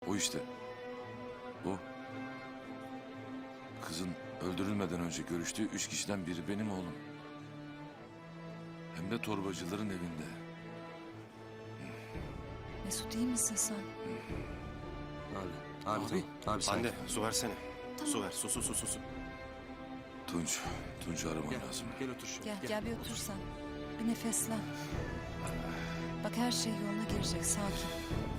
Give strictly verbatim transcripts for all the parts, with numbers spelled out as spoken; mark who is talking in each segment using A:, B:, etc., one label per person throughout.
A: O işte. O. Kızın öldürülmeden önce görüştüğü üç kişiden biri benim oğlum. Hem de torbacıların evinde.
B: Mesut iyi misin sen?
C: Abi, abi,
A: Abi.
C: tamam. Abi sen.
D: Anne su versene. Su ver, su su su su. su.
A: Tunç. Tunç'u aramam
C: Gel,
A: lazım.
C: gel otur şuraya.
B: Gel, gel bir otur sen. Bir nefeslen. Bak her şey yoluna girecek, sakin.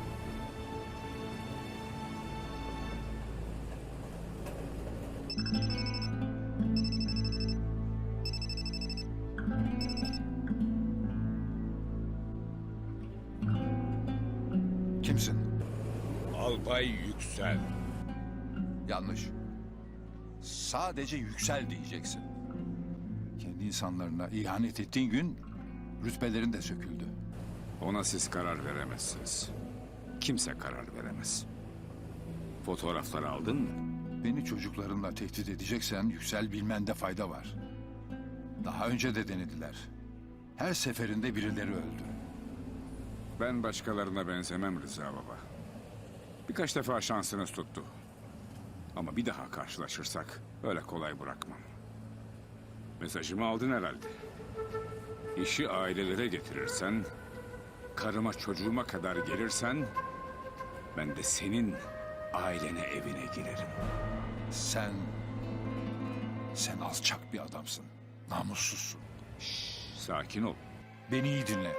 E: Kimsin?
F: Albay Yüksel.
E: Yanlış. Sadece yüksel diyeceksin. Kendi insanlarına ihanet ettiğin gün rütbelerin de söküldü.
F: Ona siz karar veremezsiniz. Kimse karar veremez. Fotoğrafları aldın mı?
E: Beni çocuklarınla tehdit edeceksen yüksel bilmende fayda var. Daha önce de denediler. Her seferinde birileri öldü.
F: Ben başkalarına benzemem Rıza Baba. Birkaç defa şansınız tuttu. Ama bir daha karşılaşırsak öyle kolay bırakmam. Mesajımı aldın herhalde. İşi ailelere getirirsen, karıma çocuğuma kadar gelirsen, ben de senin ailene evine girerim.
E: Sen... Sen alçak bir adamsın. Namussuzsun.
F: Sakin ol.
E: Beni iyi dinle.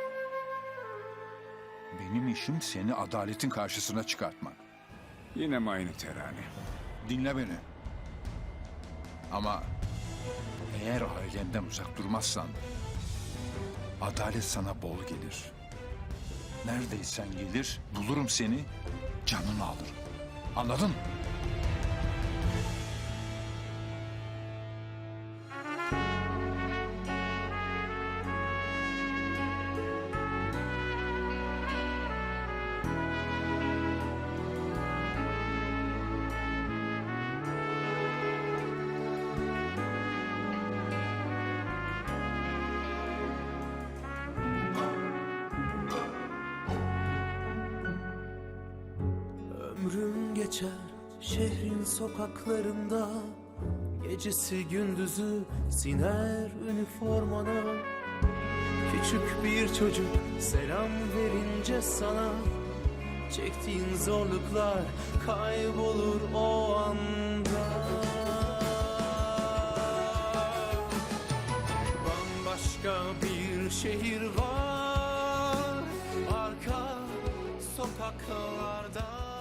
E: Benim işim seni adaletin karşısına çıkartmak.
F: Yine mi aynı terane?
E: Dinle beni. Ama eğer ailenden uzak durmazsan adalet sana bol gelir. Neredeysen gelir, bulurum seni, canını alırım. Anladın mı?
G: Ömrüm geçer şehrin sokaklarında, gecesi gündüzü siner üniformana. Küçük bir çocuk selam verince sana, çektiğin zorluklar kaybolur o anda. Bambaşka bir şehir var arka sokaklarda.